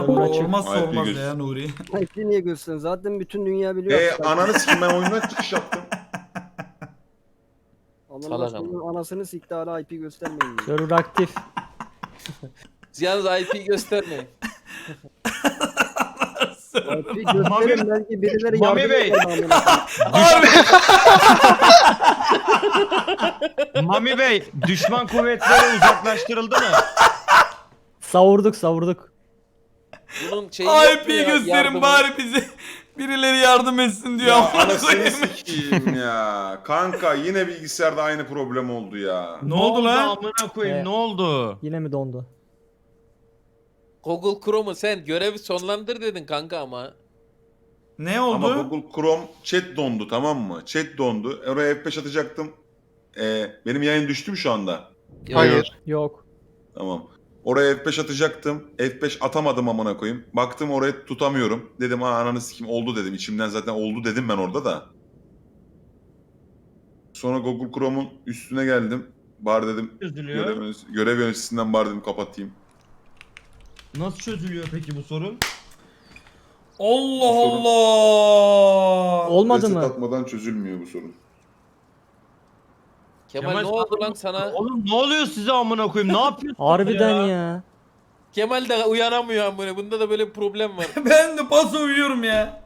Server açık. Olmazsa IP olmaz göz. ya Nuri. IP niye göstersin? Zaten bütün dünya biliyor. Ananı sikim, ben oyundan çıkış yaptım. Salak ama. Allah'ın anasını sikti, hala IP göstermeyin diyor. Şey- IP Server aktif. Yalnız IP göstermeyin. gösterin, belki birileri Mami yardım Bey. eder amına koyayım. Mami Bey, düşman kuvvetleri uzaklaştırıldı mı? Savurduk. Bunun şeyi yok mu IP'yi ya, gösterin yardımı? bari bize. Birileri yardım etsin diyor. Ya Amına anasını koyayım. sikeyim ya. Kanka yine bilgisayarda aynı problem oldu ya. Ne oldu lan? Amına koyayım, ne oldu? Yine mi dondu? Google Chrome'u sen görevi sonlandır dedin kanka ama. Ne Ama oldu? Google Chrome chat dondu, tamam mı? Chat dondu. Oraya F5 atacaktım. Benim yayın düştü mü şu anda? Hayır. Yok. Tamam. Oraya F5 atacaktım. F5 atamadım amına koyayım. Baktım oraya tutamıyorum. Dedim ananı sikeyim, oldu dedim. İçimden zaten oldu dedim ben orada da. Sonra Google Chrome'un üstüne geldim. Bari dedim Çözülüyor. görev yöneticisinden bari dedim kapatayım. Nasıl çözülüyor peki bu sorun? Allah sorun- Allah. Olmadı Reset mı? atmadan çözülmüyor bu sorun. Kemal ne oldu lan sana? Oğlum ne oluyor size amına koyayım? Ne yapıyorsunuz Harbiden ya. Kemal de uyanamıyor amına. Bunda da böyle bir problem var. Ben de paso uyuyorum ya.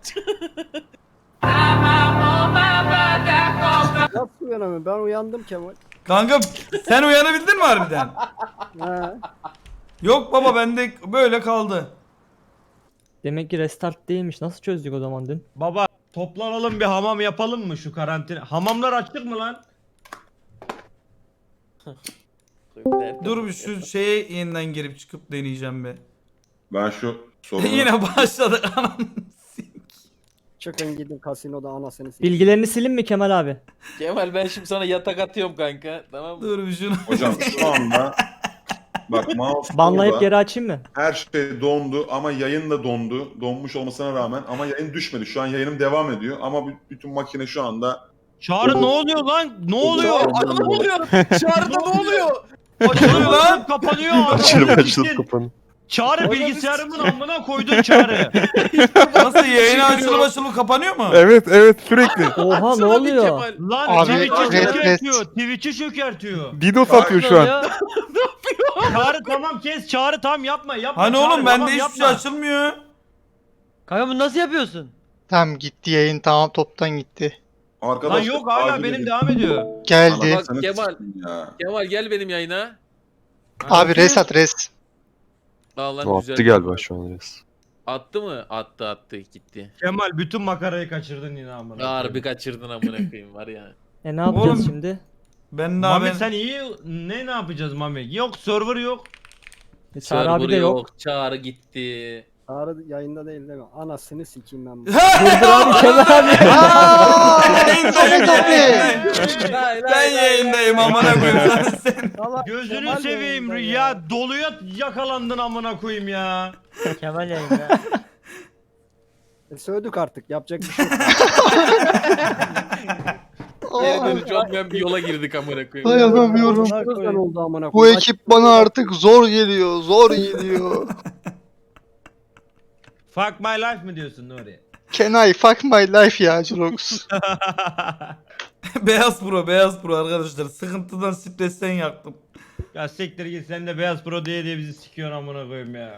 Nasıl uyanamıyorum? Ben uyandım Kemal. Kanka sen uyanabildin mi harbiden? Ha. Yok baba bende böyle kaldı. Demek ki restart değilmiş. Nasıl çözdük o zaman dün? Baba toplanalım bir hamam yapalım mı şu karantina? Hamamlar açık mı lan? Dur bir şu şeye yeniden girip çıkıp deneyeceğim be. Ben şu sorunu... Yine başladık anam. Çıkın gidin kasinoda anasını sikeyim. Bilgilerini silin mi Kemal abi? Kemal ben şimdi sana yatak atıyorum kanka. Tamam mı? Dur bir şunu. Hocam şu anda... Bak mouse Banlayıp orada. geri açayım mı? Her şey dondu ama yayın da dondu. Donmuş olmasına rağmen ama yayın düşmedi. Şu an yayınım devam ediyor ama bütün makine şu anda... Çağrı ne oluyor lan? Ne oluyor? Ne oluyor? Çağrıda ne oluyor? Açılıyor lan? lan, kapanıyor. Açılıp kapanıyor. Çağrı bilgisayarımın amına koydun Çağrı. Nasıl yayın açılıp kapanıyor mu? Evet sürekli. Oha ne Açsana bir oluyor? Kemal. Lan Abi, Twitch'i evet, çökertiyor. Twitch'i çökertiyor. DDoS atıyor şu an. Çağrı tamam kes. Çağrı tam yapma. Hani Çağrı, oğlum tamam, bende hiçbir yapma. şey açılmıyor. Kanka bunu nasıl yapıyorsun? Tamam gitti yayın, tamam toptan gitti. Lan Arkadaşlar, yok hala acil benim edin. devam ediyor. Geldi. Bak Sana Kemal. sikeyim ya. Kemal gel benim yayına. Abi res at res. Aa, lan O güzel. attı galiba şu an res. Attı mı? Attı gitti. Kemal bütün makarayı kaçırdın yine amına. Harbi kaçırdın amına koyayım var ya. Ne yapacağız Oğlum, şimdi? Ben daha Mami ben... sen iyi ne yapacağız Mami? Yok server yok. Çağrı abi de Server yok. Çağrı gitti. Çağrı yayında değil değil mi? Anasını sikeyim ben bunu. Durdur abi Kemal abi. Samet abi. Ben yayındayım amına koyayım sen. Salak, Gözünü Kemal seveyim yayında ya. Doluya yakalandın amına koyayım ya. Kemal yayında. Sövdük artık, yapacak bir şey yok. Geri dönüş olmayan bir yola girdik amına koyayım. Dayanamıyorum. Nereden oldu amına Bu koyayım? ekip bana artık zor geliyor, zor geliyor. Fuck my life mi diyorsun Nuri? Can I fuck my life ya Jirox? Beyaz Pro arkadaşlar. Sıkıntıdan stresten yaktım. Ya siktir git sen de Beyaz Pro diye bizi sikiyorsun amına koyayım ya.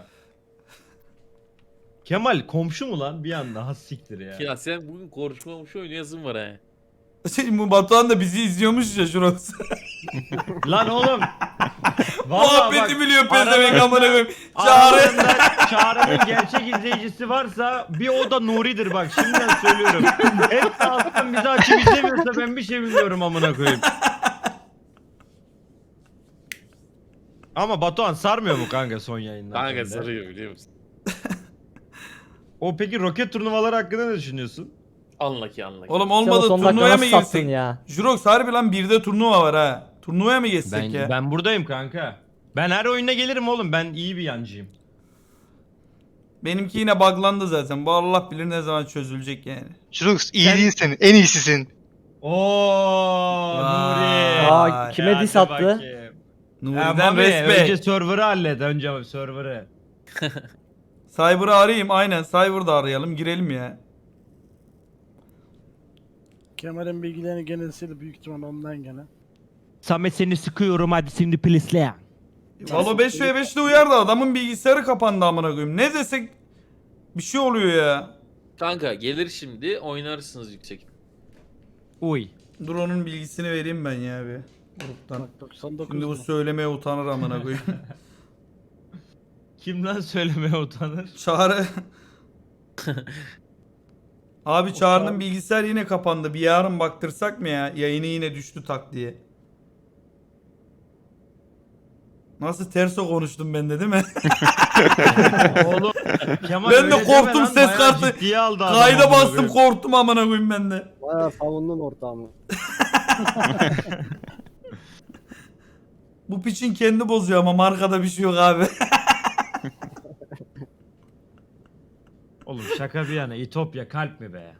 Kemal komşu mu lan bir anda? Ha siktir ya. Ya sen bugün konuşmamış oynayasın var ha. Bu Batuhan da bizi izliyormuş ya şurası. Lan oğlum. Vallahi Muhabbeti bak, biliyor pezevenk aralarında- amına koyayım. Çağrı. aralarında Çağrı'nın gerçek izleyicisi varsa bir o da Nuri'dir bak şimdiden söylüyorum. Hepsi alttan bizi açıp izlemiyorsa ben bir şey bilmiyorum amına koyayım. Ama Batuhan sarmıyor mu kanka son yayınlar? Kanka sende? sarıyor biliyor musun? O peki roket turnuvaları hakkında ne düşünüyorsun? Anla ki anla ki. Oğlum Sen o olmadı son dakika turnuvaya mı nasıl sattın girsek? ya? Jurox harbi lan birde turnuva var ha. Turnuvaya mı geçsek Ben, ya? ben buradayım kanka. Ben her oyuna gelirim oğlum. Ben iyi bir yancıyım. Benimki yine buglandı zaten. Bu Allah bilir ne zaman çözülecek yani. Jirox iyi Sen- değilsin, en iyisisin. Oo Nuri. Aa, kime Hadi diss attı? bakayım. Nuri'den Mami, respect. önce server'ı hallet. Önce server'ı. Cyber'ı arayayım aynen. Cyber'da arayalım girelim ya. Kemal'in bilgilerini gene sildi büyük ihtimal ondan gene. Samet seni sıkıyorum hadi şimdi please. Valo 5v5'te uyardı adamın bilgisayarı kapandı amına koyayım. Ne desek bir şey oluyor ya. Kanka gelir şimdi oynarsınız yüksek. Uy. Dur onun bilgisini vereyim ben ya bir. Gruptan. Bak 99 Şimdi bu mu? söylemeye utanır amına koyayım. Kim lan söylemeye utanır? Çağrı. Abi Çağrı'nın bilgisayar yine kapandı. Bir yarın baktırsak mı ya? Yayını yine düştü tak diye. Nasıl terso konuştum ben de değil mi? Oğlum Kemal Ben de öyle deme korktum, lan, ses bayağı kartı- ciddiye aldı adam Kayda amına bastım koyayım. korktum amına koyayım ben de. Bayağı savundun ortağımı. Bu piçin kendi bozuyor ama markada bir şey yok abi. Oğlum şaka bir yana İtopya kalp mi be?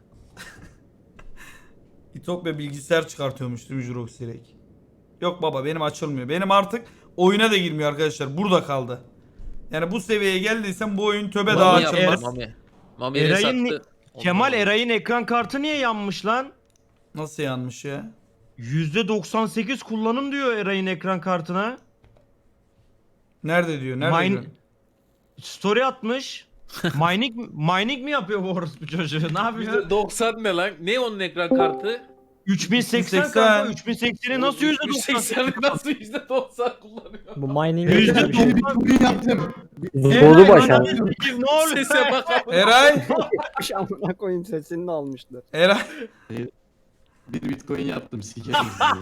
İtopya bilgisayar çıkartıyormuş değil mi Jurox direkt? Yok baba benim açılmıyor. Benim artık oyuna da girmiyor arkadaşlar. Burada kaldı. Yani bu seviyeye geldiysen bu oyun töbe daha Mami yaptı, açılmaz. Mami. Mami Eray'ın sattı. Kemal Eray'ın ekran kartı niye yanmış lan? Nasıl yanmış ya? %98 kullanım diyor Eray'ın ekran kartına. Nerede diyor? Nerede Mine- diyor? Story atmış. Mining mi yapıyor bu orospu çocuğu? Ne yapıyor? %90 ne lan? Ne onun ekran kartı? 3080 3080. kanka. 3080'i nasıl %98? 80'i nasıl %90 kullanıyor? Bu mining %90. Zoru başa. Ne oluyor? Sese bak. Eray! Bir amına koyayım sesini de almışlar. Eray! Bir bitcoin yaptım sikerim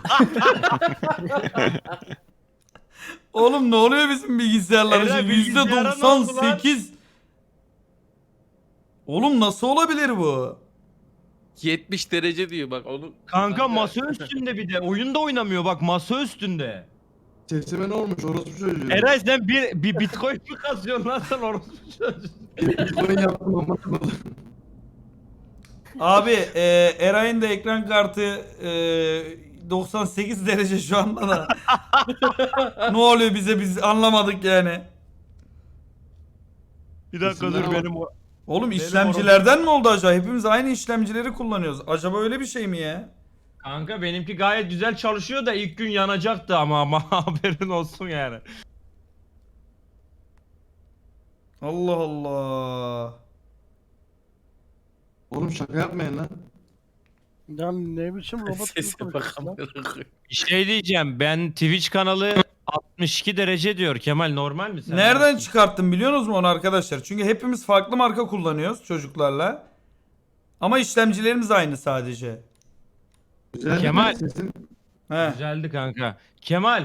Oğlum ne oluyor bizim bilgisayarlara? Eray, bilgisayara ne oldu lan? %98. Oğlum nasıl olabilir bu? 70 derece diyor bak onu. Kanka masa üstünde bir de. Oyunda oynamıyor bak masa üstünde. Sesime ne olmuş orospu çocuğu? Eray sen bir bitcoin mi kazıyorsun lan sen orospu çocuğu? Bitcoin yaptım ama. Abi Eray'ın da ekran kartı 98 derece şu anda da. Ne oluyor bize biz anlamadık yani. Bir dakika dur benim o. Oğlum Benim işlemcilerden mi oldu acaba? Hepimiz aynı işlemcileri kullanıyoruz. Acaba öyle bir şey mi ya? Kanka benimki gayet güzel çalışıyor da ilk gün yanacaktı ama haberin olsun yani. Allah Allah. Oğlum şaka yapmayın lan. Ya ne biçim robot gibi Sese bak. konuşuyorsun lan? amına koyayım. Bir şey diyeceğim ben Twitch kanalı 62 derece diyor Kemal normal mi sen? Nereden çıkarttın biliyorsunuz mu onu arkadaşlar? Çünkü hepimiz farklı marka kullanıyoruz çocuklarla. Ama işlemcilerimiz aynı sadece. Güzel Kemal. sesin. He. Güzeldi kanka. Kemal.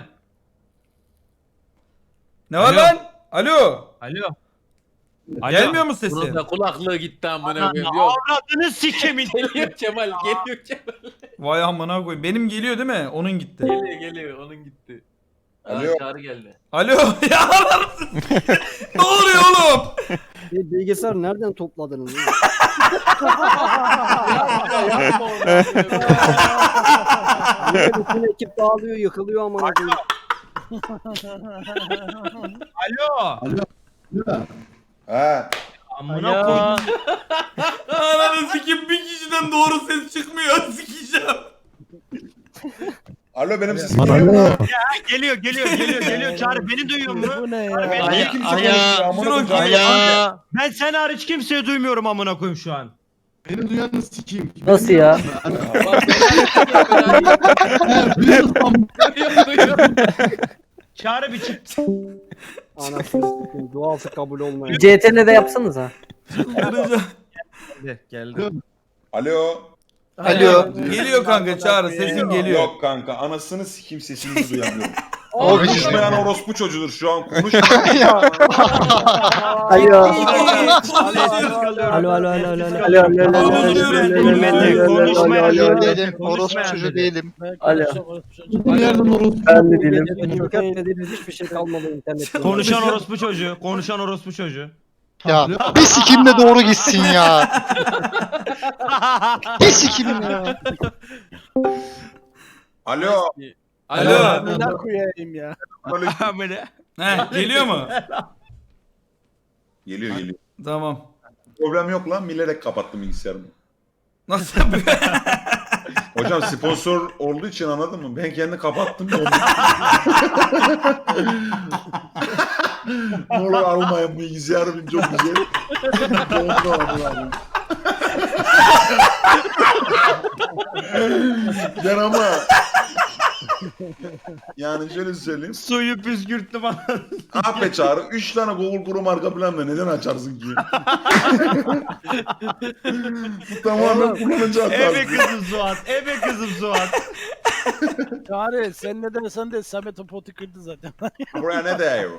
Ne var Alo. lan? Alo. Alo. Alo. Gelmiyor mu Bunun sesi? da kulaklığı gitti amına Ananı koyayım. Yok. avradını sikemin. Geliyor Kemal, geliyor Kemal. Vay amına koyayım. Benim geliyor değil mi? Onun gitti. Geliyor onun gitti. Alo. Çağrı geldi. Alo. Ya ananı s- ne oluyor oğlum? Bilgisayar nereden topladınız? ya? Yapma onu. Bütün ekip dağılıyor, yıkılıyor amına koyayım. Alo. He. Amına koydum. Ananı sikim bir kişiden doğru ses çıkmıyor. Sikeceğim. Alo benim sesim geliyor mu? Geliyor. Çağrı beni duyuyor mu? Bu ne ya? Niye kimse konuşmuyor? Amına koyayım. Ben sen hariç kimseyi duymuyorum amına koyayım şu an. Beni duyanı sikeyim. Nasıl ya? Bak, duyuyorum. Çağrı bir çık. Anasını sikeyim. Duası kabul olmayan. CTRL'de yapsanız ha. Kıracağım. Geldi. Alo. Alo. Geliyor kanka Çağrı sesin geliyor. Yok kanka anasını sikeyim sesini duyamıyorum. O bizi Konuşmayan orospu çocuğudur şu an konuş. Alo. Alo. değilim. Orospu çocuğu değilim. Alo. Bir yerden orospu. Ben de değilim. Çökertmediğiniz hiçbir şey kalmadı internette. Konuşan orospu çocuğu. Ya bir sikim de doğru gitsin ya. Bir sikim ya. Alo. Alo. Ne koyayım ya? He, geliyor mu? Geliyor geliyor. Tamam. Problem yok lan. Bilerek kapattım bilgisayarımı. Nasıl yapıyor? Hocam sponsor olduğu için anladın mı? Ben kendi kapattım. Ne olur almayın bilgisayarım çok güzel. Ben ama yani şöyle söyleyeyim. Suyu püskürttüm anladın. AP çağrı 3 tane Google Chrome arka planda neden açarsın ki? Bu tamamen kullanıcı Ebe hatası. kızım Suat. Ebe kızım Suat. Çağrı sen ne dersen de Samet o potu kırdı zaten. Buraya ne diyor?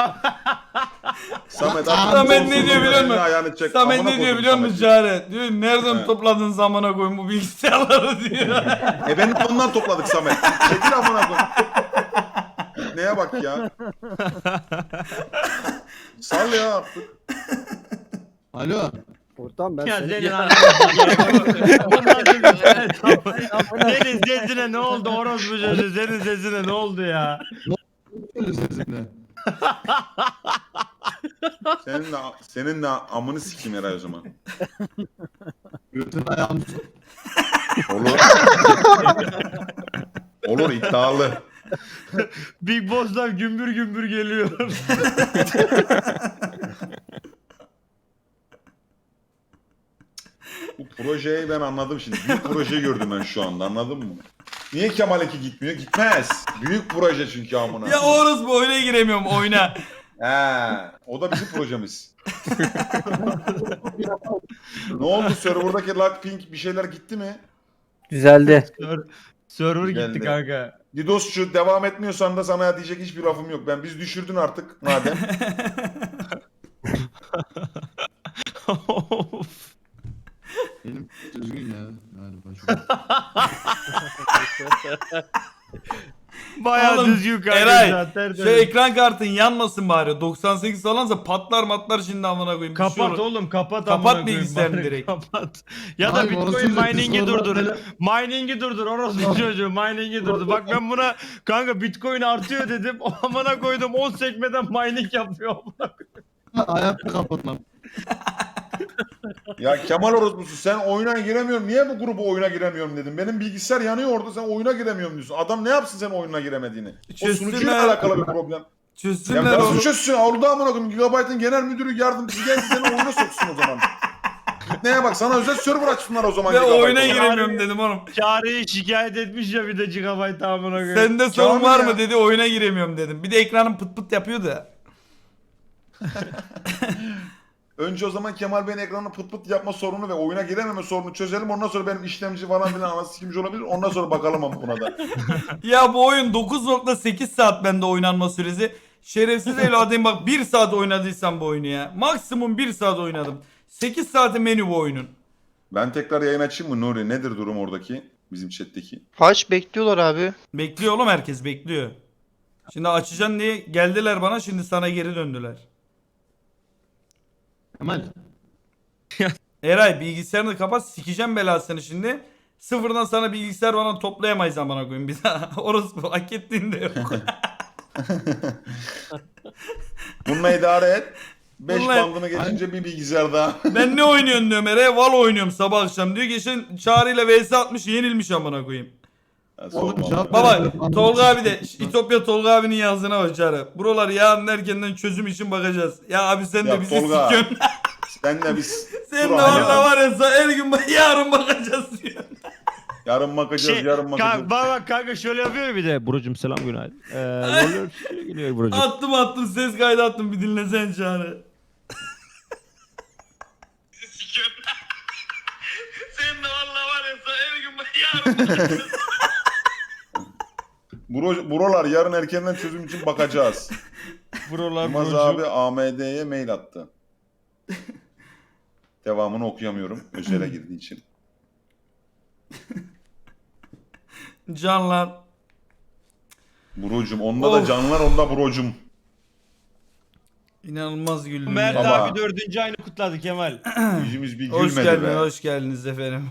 Samet Samet ne diyor biliyor musun? Ayağını çek. Samet Amına ne diyor koydum biliyor musun Samet'i. Çare? Diyor nereden He. topladın zamana koyun bu bilgisayarları diyor. Benim ondan topladık Samet. Çekil amına koy. Neye bak ya. Sal ya artık. Alo. Ortam ben Ya seni senin ananı sikeyim. Senin sesine ne oldu orospu çocuğu? Senin sesine ne oldu ya? Öyle sesinle. Senin de amını sikeyim herhalde o zaman. Götün ayağını Olur. Olur iddialı. Big Boss'tan gümbür gümbür geliyor. Bu projeyi ben anladım şimdi. Büyük projeyi gördüm ben şu anda anladın mı? Niye Kemal'inki gitmiyor? Gitmez. Büyük proje çünkü amına. Ya Oruz bu oyuna giremiyorum oyuna. He, o da bizim projemiz. Ne oldu serverdaki Lockpink bir şeyler gitti mi? Düzeldi. Server Geldi. gitti kanka. Didosçu devam etmiyorsan da sana diyecek hiçbir lafım yok. Biz düşürdün artık madem. benim düzgün ya. Galiba şu an. Bayağı Oğlum, düzgün kanka. Eray, zaten. Şu ekran kartın yanmasın bari. 98 falansa patlar matlar şimdi amına koyayım. Kapat Düşüyor. oğlum kapat. Kapat amına koyayım, bilgisayarını bari direkt. Kapat. Ya da Hayır, Bitcoin orası mining'i sonra durdur. böyle- Mining'i durdur orospu çocuğu. Mining'i durdur. Bak ben buna kanka Bitcoin artıyor dedim. O amına koydum 10 sekmeden mining yapıyor. amına koyayım. Ayakta kapatmam. Ya Kemal orospusu sen oyuna giremiyorum. Niye bu grubu oyuna giremiyorum dedim. Benim bilgisayar yanıyor orada sen oyuna giremiyorum diyorsun. Adam ne yapsın sen oyuna giremediğini? O Çözsünler. sunucuyla alakalı bir problem. Ya Çözsünler nasıl onu. çözsün? Orada amına koyayım Gigabyte'ın genel müdürü yardımcısı gelsin seni oyuna soksun o zaman. Neye bak sana özel server açsınlar o zaman. Ve Gigabyte'a. oyuna giremiyorum dedim oğlum. Çağrı'yı şikayet etmiş ya bir de gigabyte amına koyayım. Sende sorun Kamil var ya. mı dedi oyuna giremiyorum dedim. Bir de ekranım pıt pıt yapıyor da. Önce o zaman Kemal Bey'in ekranını pıt pıt yapma sorunu ve oyuna girememe sorunu çözelim. Ondan sonra benim işlemci falan filan anası kimci olabilir. Ondan sonra bakalım ama buna da. Ya bu oyun 9.8 saat bende oynanma süresi. Şerefsiz evladım bak 1 saat oynadıysam bu oyunu ya. Maksimum 1 saat oynadım. 8 saati menü bu oyunun. Ben tekrar yayın açayım mı Nuri? Nedir durum oradaki? Bizim chat'teki. Kaç bekliyorlar abi. Bekliyor oğlum herkes bekliyor. Şimdi açacaksın diye geldiler bana şimdi sana geri döndüler. Kemal. Eray bilgisayarını kapat sikeceğim belasını şimdi. Sıfırdan sana bilgisayar bana toplayamayız amına koyayım bir daha. Orası bu hak ettiğinde yok. Bununla idare et. 5 Bununla- bandını geçince bir bilgisayar daha. Ben ne oynuyorsun diyorum Eray. Valo oynuyorum sabah akşam diyor. Geçen Çağrı'yla vs atmış yenilmiş amına koyayım. Ya, Oğlum, sorma cevap abi. ver. Baba Tolga abi de İtopya Tolga abinin yazdığına bak Çağrı. Buralar yarın erkenden çözüm için bakacağız. Ya abi sen de Ya bizi Tolga, sikiyorsun. Sen de biz Sen Dur de abi orada ya. var ya her gün yarın bakacağız diyor. yarın bakacağız, yarın bakacağız. Bak kanka şöyle yapıyor ya bir de. Brocum selam günaydın. Roller geliyor brocum. Attım ses kaydı attım bir dinlesen Çağrı. Sen de valla var ya her gün yarın bakacağız. Buralar yarın erkenden çözüm için bakacağız. Buralar Yılmaz brocum. abi AMD'ye mail attı. Devamını okuyamıyorum. Özele girdiği için. Canlar. Brocum. Onda Of. da canlar, onda brocum. İnanılmaz güldüm Mert ya. Baba. abi 4. ayını kutladı Kemal. Yüzümüz bir Hoş gülmedi geldiniz, be. hoş geldiniz efendim.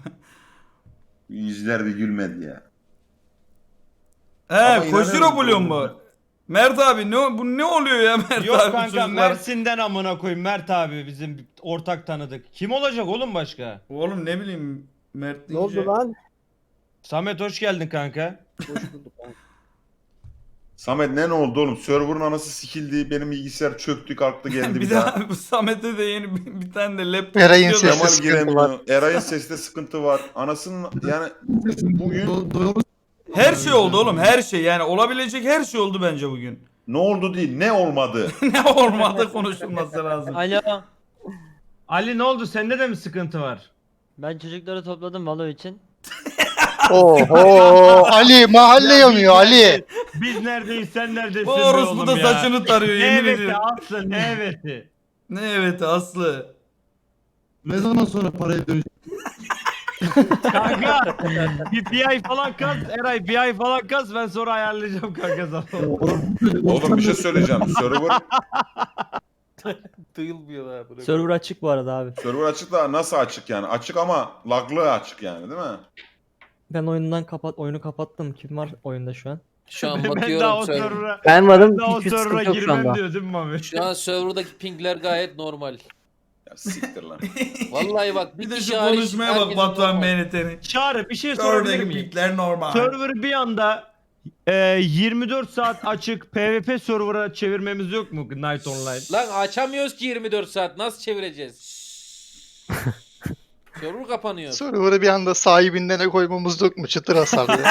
Yüzler bir gülmedi ya. He, Ama Koşiro inanıyorum Blue mu? doğru. Mert abi bu ne oluyor ya Mert Yok abi kanka çocuklar? Mersin'den amına koyayım Mert abi bizim ortak tanıdık. Kim olacak oğlum başka? Oğlum ne bileyim Mert Ne oldu deyince. lan? Samet hoş geldin kanka. Hoş bulduk lan. Samet ne oldu oğlum? Server'ın anası sikildi. Benim bilgisayar çöktü kalktı geldi bir daha bu Samet'e de yeni bir tane de laptop Eray'ın istiyor da- sesi- Kemal sıkıntı var. giremiyor. Eray'ın sesinde sıkıntı var. Anasının yani bugün Her şey oldu oğlum her şey yani olabilecek her şey oldu bence bugün. ne oldu değil ne olmadı. Ne olmadı konuşulması lazım. Alo. Ali ne oldu sende de mi sıkıntı var? Ben çocukları topladım Valo için. Oho Ali mahalle yanıyor Ali. Biz neredeyiz sen neredesin Bu be orospu oğlum da ya? saçını tarıyor Ne yemin eveti ediyorum. Aslı ne eveti? Ne evet Aslı. Ne zaman sonra paraya dönüş? Kanka bir ay falan kas Eray bir ay falan kas ben sonra ayarlayacağım kanka sana. Oğlum bir şey söyleyeceğim. Duyulmuyor ha. Bırak. Server açık bu arada abi. Server açık da nasıl açık yani? Açık ama laglı açık yani değil mi? Ben oyunu kapattım. Kim var oyunda şu an? Şu an Ben daha bakıyorum o server. server'a Ben varım. daha o Hiçbir server'a sıkıntı yok şu girmem anda. diyor değil mi Mami? Şu an serverdaki pingler gayet normal. Ya siktir lan. Vallahi bak Bir bir de kişi şu hariç konuşmaya bak herkesin Batuhan normal. MNT'nin. Çağrı bir şey sorabilir Oradaki miyim? pikler normal. Server'ı bir anda 24 saat açık PvP server'a çevirmemiz yok mu Night Online? Lan açamıyoruz ki 24 saat. Nasıl çevireceğiz? Server kapanıyor. Server'ı bir anda sahibinden ne koymamız yok mu? Çıtır hasarlı.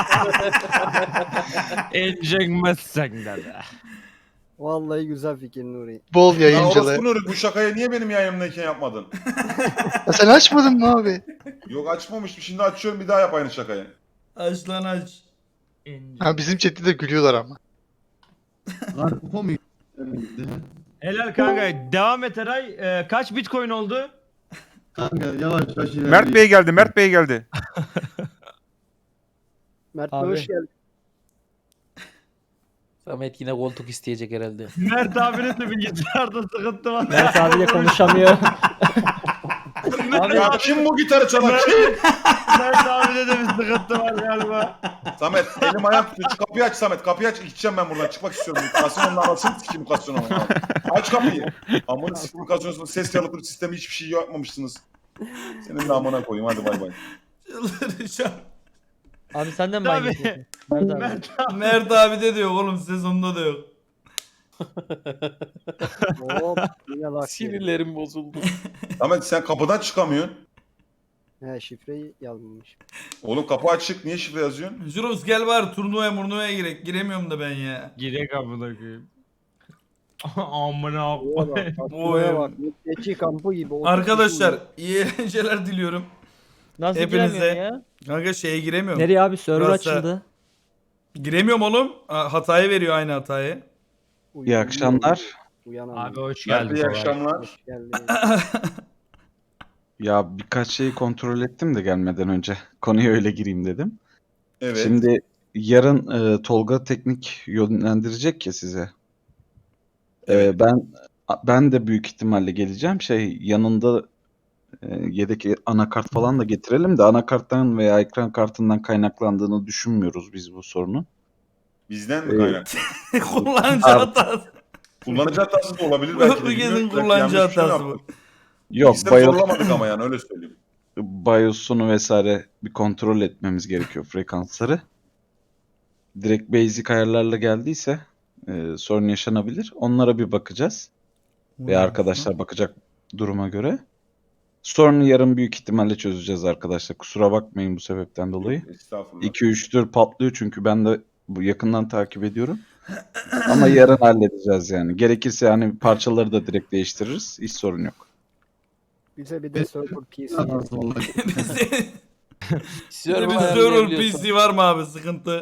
Enjekmezsen de. Vallahi güzel fikir Nuri. Bol Ya yayıncılığı. orospu Nuri bu şakayı niye benim yayınımdayken yapmadın? Ya sen açmadın mı abi? Yok açmamıştım. Şimdi açıyorum bir daha yap aynı şakayı. Aç lan aç. Ha, bizim chatte de gülüyorlar ama. Lan kupa mı? Helal kanka. Devam et Eray. Kaç bitcoin oldu? Kanka yavaş yavaş ilerleyin. Mert Bey geldi, Mert Bey geldi. Mert Bey Abi. hoş geldin. Samet yine koltuk isteyecek herhalde. Mert abinin de bilgisayarda sıkıntı var. Mert abiyle konuşamıyor. Ya kim bu gitarı çalan kim? Mert abide de bir sıkıntı var galiba. Samet elim ayağım tutuyor. Şu kapıyı aç Samet. Kapıyı aç. Gideceğim ben buradan. Çıkmak istiyorum. Kasyonun anasını sikeyim kasyonu. Aç kapıyı. Amına sikeyim kasyonun ses yalıtım sistemi hiçbir şey yapmamışsınız. Senin de amına koyayım. Hadi bay bay. Çıldıracağım. Abi sen de mi Tabii. aynı Mert abi. Mert abi. Mert abi de diyor oğlum sezonda da yok. Hop yine bak. Sinirlerim bozuldu. Samet sen kapıdan çıkamıyorsun. He şifreyi yazmamış. Oğlum kapı açık. Niye şifre yazıyorsun? Juros gel var turnuvaya girek. Giremiyorum da ben ya. Girek amına koyayım. Amına Oya bak. Tatlıya bak. Geçi kampı gibi. 30 Arkadaşlar kişi iyi eğlenceler diliyorum. Nasıl Hepinize- giremiyorsun ya? Kanka şeye giremiyorum. Nereye abi? Server Burası- açıldı. Giremiyorum oğlum. Hatayı veriyor aynı hatayı. uyuyor. İyi akşamlar. Uyanamıyor. Abi hoş Mert geldin. iyi kolay. akşamlar. Hoş geldin. Ya birkaç şeyi kontrol ettim de gelmeden önce. Konuya öyle gireyim dedim. Evet. Şimdi yarın Tolga teknik yönlendirecek ya size. Ben de büyük ihtimalle geleceğim. Yanında yedek anakart falan da getirelim de anakarttan veya ekran kartından kaynaklandığını düşünmüyoruz biz bu sorunun. Bizden mi kaynaklı? Kullanıcı Abi. hatası. Kullanıcı hatası da olabilir belki de. Bu kesin bilmiyorum. Belki kullanıcı yanlış bir şey hatası bu. yaptık. Yok, Biz de zorlamadık ama yani öyle söyleyeyim. BIOS'unu vesaire bir kontrol etmemiz gerekiyor frekansları. Direkt basic ayarlarla geldiyse sorun yaşanabilir. Onlara bir bakacağız. Ve arkadaşlar bakacak duruma göre. Sorunu yarın büyük ihtimalle çözeceğiz arkadaşlar. Kusura bakmayın bu sebepten dolayı. Estağfurullah. 2-3'tür patlıyor çünkü ben de bu yakından takip ediyorum. Ama yarın halledeceğiz yani. Gerekirse hani parçaları da direkt değiştiririz. Hiç sorun yok. Bize bir de server PC. Nasıl vallahi. Server Bir server ayarlayabiliyorsun. PC var mı abi sıkıntı?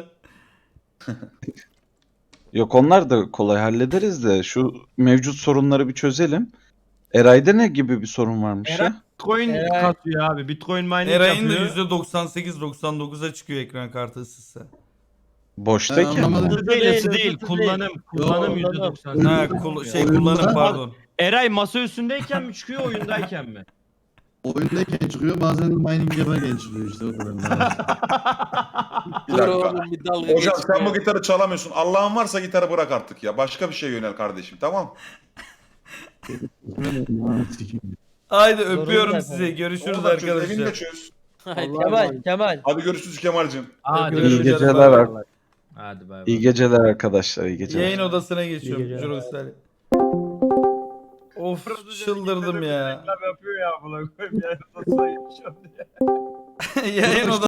Yok onlar da kolay hallederiz de şu mevcut sorunları bir çözelim. Eray'da ne gibi bir sorun varmış Eray- ya? Bitcoin Eray- kasıyor abi. Bitcoin mining Eray'ın da yapıyor. %98-99'a çıkıyor ekran kartı ısısı. Boştayken Ben anlamadım. mi? Hızlı değil, hızlı Hızlı değil. değil. Kullanım Kullanım. %90. Ha kullanım pardon. Eray masa üstündeyken mi çıkıyor oyundayken mi? Oyundayken çıkıyor bazen de mining yaparken çıkıyor işte o kadar. Bir Dur dakika. oğlum bir dalga Hocam geçme. sen bu gitarı çalamıyorsun. Allah'ın varsa gitarı bırak artık ya. Başka bir şey yönel kardeşim, tamam? Haydi Sorun öpüyorum zaten. sizi. Görüşürüz Oradan çöz, evini arkadaşlar. de çöz. Haydi. Kemal. Hadi görüşürüz Kemal'cim. Hadi İyi Görüşürüz. geceler. Hadi bay bay. İyi geceler arkadaşlar. İyi geceler. Yayın odasına geçiyorum. geceler. Juros'lar. Of çıldırdım ya. Reklam yapıyor ya buna koyayım ya. Nasıl geçiyor diye. Yayın odasına